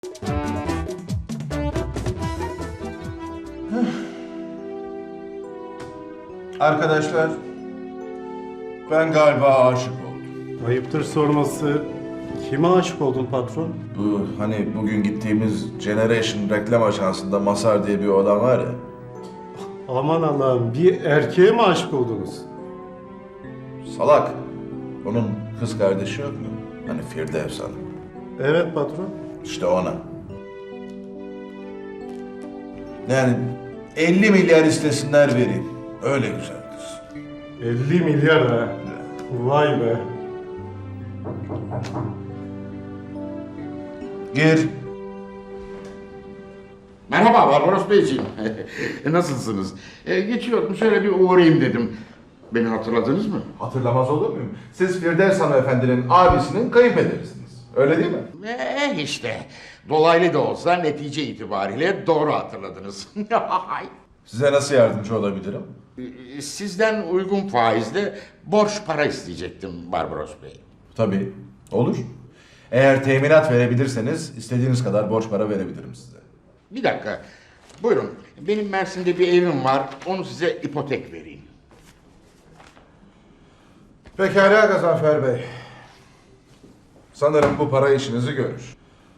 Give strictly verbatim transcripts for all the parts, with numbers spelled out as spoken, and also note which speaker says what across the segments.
Speaker 1: Arkadaşlar, ben galiba aşık oldum.
Speaker 2: Ayıptır sorması. Kime aşık oldun patron?
Speaker 1: Bu hani bugün gittiğimiz Generation reklam ajansında Masar diye bir adam var ya.
Speaker 2: Aman Allah'ım, bir erkeğe mi aşık oldunuz?
Speaker 1: Salak. Onun kız kardeşi yok mu? Hani Firdevs Hanım.
Speaker 2: Evet patron.
Speaker 1: İşte ona. Yani elli milyar istesinler vereyim. Öyle güzel kız.
Speaker 2: elli milyar ha. Vay be.
Speaker 1: Gir.
Speaker 3: Merhaba Barbaros Beyciğim. Nasılsınız? Ee, geçiyordum, şöyle bir uğrayayım dedim. Beni hatırladınız mı?
Speaker 1: Hatırlamaz olur muyum? Siz Firdevs Hanımefendinin abisinin kayınpederisiniz. Öyle değil mi?
Speaker 3: Eh işte. Dolaylı da olsa netice itibariyle doğru hatırladınız.
Speaker 1: Size nasıl yardımcı olabilirim?
Speaker 3: Ee, Sizden uygun faizle borç para isteyecektim Barbaros Bey.
Speaker 1: Tabii. Olur. Eğer teminat verebilirseniz istediğiniz kadar borç para verebilirim size.
Speaker 3: Bir dakika. Buyurun. Benim Mersin'de bir evim var. Onu size ipotek vereyim.
Speaker 1: Pekala Gazanfer Bey. Sanırım bu para işinizi görür.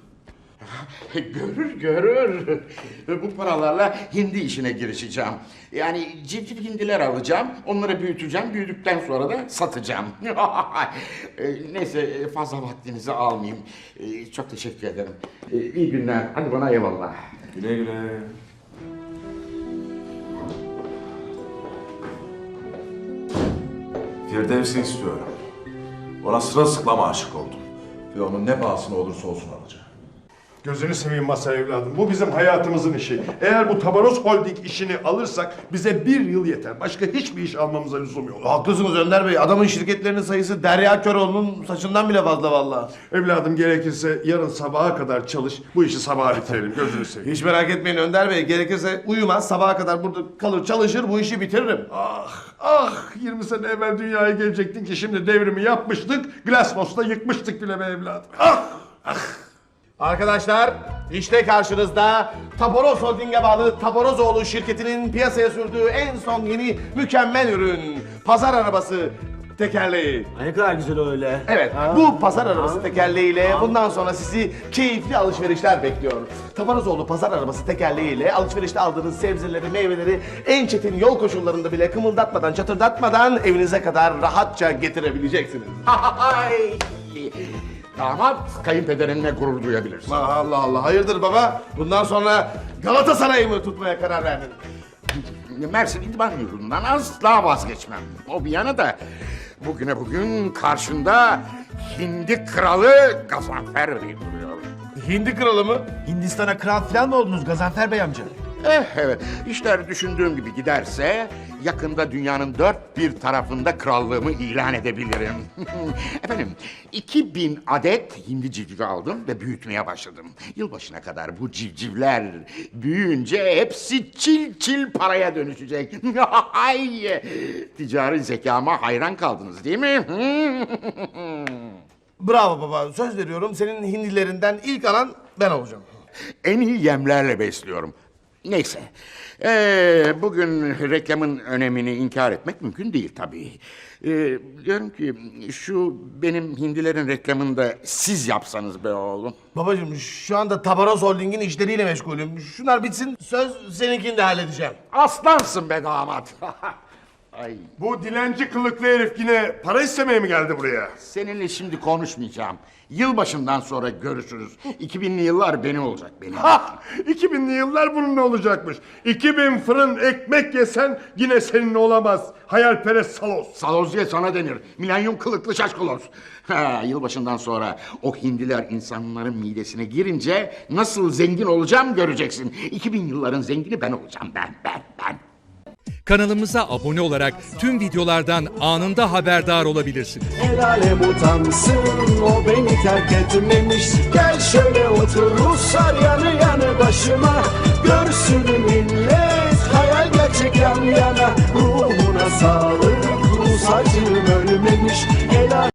Speaker 3: Görür görür. Bu paralarla hindi işine girişeceğim. Yani civciv hindiler alacağım, onları büyüteceğim, büyüdükten sonra da satacağım. E, Neyse fazla vaktinizi almayayım. E, Çok teşekkür ederim. E, İyi günler. Hadi bana eyvallah.
Speaker 1: Güle güle. Firdevs'i istiyorum. Ona sırılsıklam aşık oldum. Ve onun ne pahasına olursa olsun alacağım.
Speaker 4: Gözünü seveyim Masar evladım. Bu bizim hayatımızın işi. Eğer bu Tabaroz Holding işini alırsak bize bir yıl yeter. Başka hiçbir iş almamıza lüzum yok.
Speaker 5: Haklısınız Önder Bey. Adamın şirketlerinin sayısı Derya Köroğlu'nun saçından bile fazla vallahi.
Speaker 4: Evladım gerekirse yarın sabaha kadar çalış. Bu işi sabaha bitirelim. Gözünü seveyim.
Speaker 5: Hiç merak etmeyin Önder Bey. Gerekirse uyumaz, sabaha kadar burada kalır çalışır, bu işi bitiririm.
Speaker 4: Ah ah yirmi sene evvel dünyaya gelecektin ki şimdi devrimi yapmıştık. Glasnost'ta yıkmıştık bile be evladım. Ah ah.
Speaker 5: Arkadaşlar, işte karşınızda Tabaroz Holding'e bağlı Taborozoğlu şirketinin piyasaya sürdüğü en son yeni mükemmel ürün. Pazar arabası tekerleği.
Speaker 6: Ne kadar güzel öyle.
Speaker 5: Evet, bu pazar arabası tekerleğiyle bundan sonra sizi keyifli alışverişler bekliyor. Tabarozoğlu pazar arabası tekerleğiyle alışverişte aldığınız sebzeleri, meyveleri en çetin yol koşullarında bile kımıldatmadan, çatırdatmadan evinize kadar rahatça getirebileceksiniz.
Speaker 3: Ay! Damat kayınpederinle gurur duyabilirsin.
Speaker 5: Allah Allah, hayırdır baba? Bundan sonra Galatasaray'ı mı tutmaya karar verdin?
Speaker 3: Mersin İdman Yurdu'ndan asla vazgeçmem. O bir yana da bugüne bugün karşında Hindi Kralı Gazanfer Bey duruyor.
Speaker 5: Hindi kralı mı?
Speaker 6: Hindistan'a kral falan mı oldunuz Gazanfer Bey amca?
Speaker 3: Eh evet, işler düşündüğüm gibi giderse yakında dünyanın dört bir tarafında krallığımı ilan edebilirim. Efendim, iki bin adet hindi civcivi aldım ve büyütmeye başladım. Yılbaşına kadar bu civcivler büyüyünce hepsi çil çil paraya dönüşecek. Ay, ticari zekama hayran kaldınız değil mi?
Speaker 5: Bravo baba, söz veriyorum senin hindilerinden ilk alan ben olacağım.
Speaker 3: En iyi yemlerle besliyorum. Neyse, ee, bugün reklamın önemini inkar etmek mümkün değil tabii. Ee, diyorum ki şu benim hindilerin reklamını da siz yapsanız be oğlum.
Speaker 5: Babacığım şu anda Tabaroz Holding'in işleriyle meşgulüm. Şunlar bitsin, söz seninkini de halledeceğim.
Speaker 3: Aslansın be damat. Ay,
Speaker 4: Bu dilenci kılıklı herif yine para istemeye mi geldi buraya?
Speaker 3: seninle şimdi konuşmayacağım. Yılbaşından sonra görüşürüz. iki binli yıllar benim olacak benim.
Speaker 4: Ha! iki binli yıllar bunun olacakmış. iki bin fırın ekmek yesen yine senin olamaz. Hayalperest salos.
Speaker 3: Saloz diye sana denir. Milenyum kılıklı şaşkaloz. Ha, yılbaşından sonra o hindiler insanların midesine girince nasıl zengin olacağım göreceksin. iki bin yılların zengini ben olacağım ben, ben, ben.
Speaker 7: Kanalımıza abone olarak tüm videolardan anında haberdar olabilirsiniz.
Speaker 8: El alem utansın, o beni terk etmemiş. Gel şöyle otur Ruslar yanı yanı başıma. Görsün millet hayal gerçek yan yana. Ruhuna sağlık, Rus acım ölmemiş. El